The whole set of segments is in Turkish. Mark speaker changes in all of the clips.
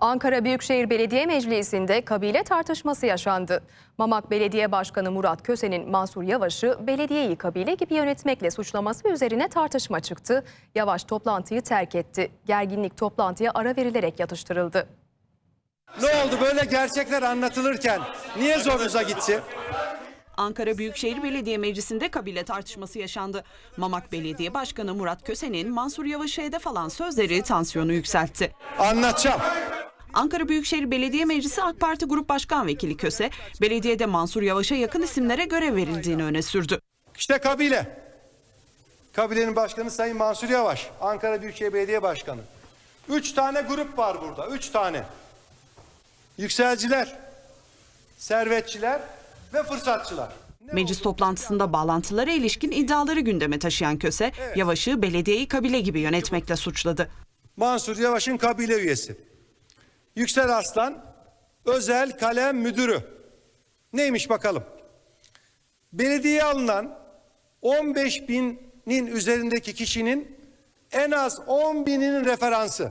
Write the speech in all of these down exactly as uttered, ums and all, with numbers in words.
Speaker 1: Ankara Büyükşehir Belediye Meclisi'nde kabile tartışması yaşandı. Mamak Belediye Başkanı Murat Köse'nin Mansur Yavaş'ı belediyeyi kabile gibi yönetmekle suçlaması üzerine tartışma çıktı. Yavaş toplantıyı terk etti. Gerginlik toplantıya ara verilerek yatıştırıldı.
Speaker 2: Ne oldu böyle gerçekler anlatılırken niye zorunuza gitti?
Speaker 3: Ankara Büyükşehir Belediye Meclisi'nde kabile tartışması yaşandı. Mamak Belediye Başkanı Murat Köse'nin Mansur Yavaş'a hedef alan sözleri tansiyonu yükseltti.
Speaker 2: Anlatacağım.
Speaker 3: Ankara Büyükşehir Belediye Meclisi AK Parti Grup Başkan Vekili Köse, belediyede Mansur Yavaş'a yakın isimlere görev verildiğini öne sürdü.
Speaker 2: İşte kabile. Kabilenin başkanı Sayın Mansur Yavaş. Ankara Büyükşehir Belediye Başkanı. Üç tane grup var burada. Üç tane. Yükselciler, servetçiler ve fırsatçılar.
Speaker 3: Meclis toplantısında bağlantılara ilişkin iddiaları gündeme taşıyan Köse, evet. Yavaş'ı belediyeyi kabile gibi yönetmekle suçladı.
Speaker 2: Mansur Yavaş'ın kabile üyesi. Yüksel Arslan, özel kalem müdürü. Neymiş bakalım? Belediyeye alınan on beş binin üzerindeki kişinin en az on bininin referansı.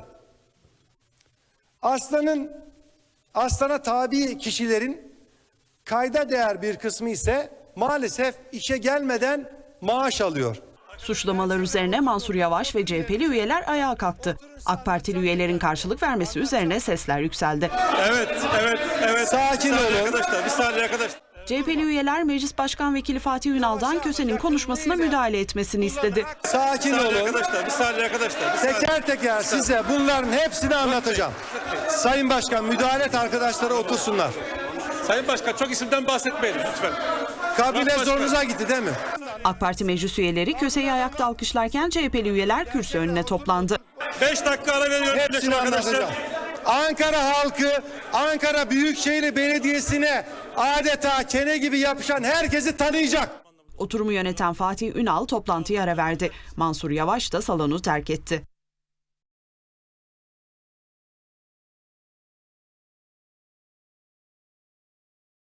Speaker 2: Arslan'ın Arslan'a tabi kişilerin kayda değer bir kısmı ise maalesef işe gelmeden maaş alıyor.
Speaker 3: Suçlamalar üzerine Mansur Yavaş ve C H P'li üyeler ayağa kalktı. AK Partili üyelerin karşılık vermesi üzerine sesler yükseldi.
Speaker 4: Evet, evet, evet.
Speaker 2: Sakin olun.
Speaker 4: Arkadaşlar, bir saniye arkadaşlar.
Speaker 3: C H P'li üyeler Meclis Başkan Vekili Fatih Ünal'dan Köse'nin konuşmasına müdahale etmesini istedi.
Speaker 2: Sakin
Speaker 4: Bir saniye
Speaker 2: olun.
Speaker 4: arkadaşlar, bir saniye arkadaşlar. Bir saniye.
Speaker 2: Teker teker size bunların hepsini anlatacağım. Sayın Başkan, müdahale et, arkadaşlara otursunlar.
Speaker 4: Sayın Başkan, çok isimden bahsetmeyin lütfen.
Speaker 2: Kabile zorunuza gitti değil mi?
Speaker 3: AK Parti meclis üyeleri Köse'yi ayakta alkışlarken C H P'li üyeler kürsü önüne toplandı.
Speaker 4: Beş dakika ara veriyorum
Speaker 2: Hepsini
Speaker 4: arkadaşlar.
Speaker 2: anlatacağım. Ankara halkı, Ankara Büyükşehir Belediyesi'ne adeta kene gibi yapışan herkesi tanıyacak.
Speaker 3: Oturumu yöneten Fatih Ünal toplantıya ara verdi. Mansur Yavaş da salonu terk etti.